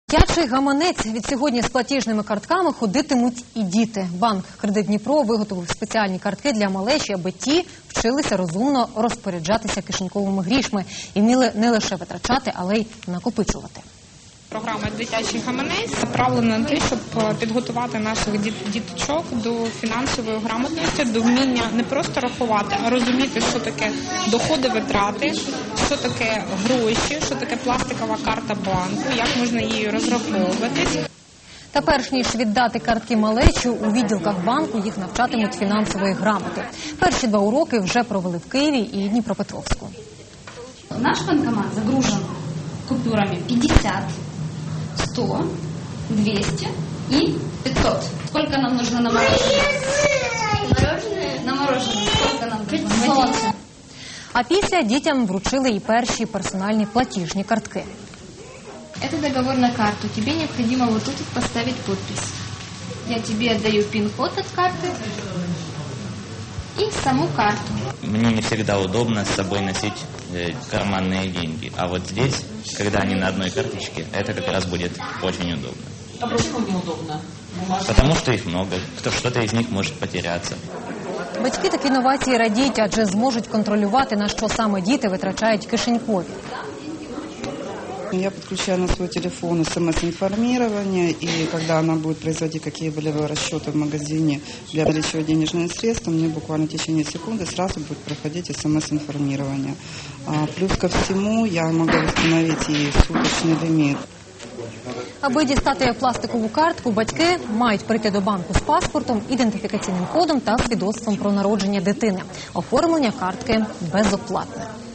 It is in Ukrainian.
Дитячий гаманець. Від сьогодні з платіжними картками ходитимуть і діти. Банк «Кредит Дніпро» виготовив спеціальні картки для малечі, аби ті вчилися розумно розпоряджатися кишеньковими грішми і вміли не лише витрачати, але й накопичувати. Програма «Дитячий гаманець» направлена на те, щоб підготувати наших діточок до фінансової грамотності, до вміння не просто рахувати, а розуміти, що таке доходи-витрати, що таке гроші, що таке пластикова карта банку, як можна її розраховуватись. Та перш ніж віддати картки малечу, у відділках банку їх навчатимуть фінансової грамоти. Перші 2 уроки вже провели в Києві і Дніпропетровську. Наш банкомат загружен купюрами 50, 100, 200 и 500. Сколько нам нужно на мороженое? На мороженое. Сколько нам нужно? 500. А після дітям вручили і перші персональні платіжні картки. Это договор на карту. Тебе необходимо вот тут поставить подпись. Я тебе отдаю пин-код от карты и саму карту. Мне не всегда удобно с собой носить карманные деньги. А вот здесь, когда они на одной карточке, это как раз будет очень удобно. А почему неудобно? Потому что их много. Что-то из них может потеряться. Батьки такі новації радіють, адже зможуть контролювати, на що саме діти витрачають кишенькові. Я подключаю на свой телефон СМС-информирование, и когда она будет производить какие-либо расчеты в магазине для наличия денежных средств, мне буквально в течение секунды сразу будет проходить СМС-информирование. Плюс ко всему я могу установить и суточный лимит. Аби дістати пластикову картку, батьки мають прийти до банку з паспортом, ідентифікаційним кодом та свідоцтвом про народження дитини. Оформлення картки безоплатне.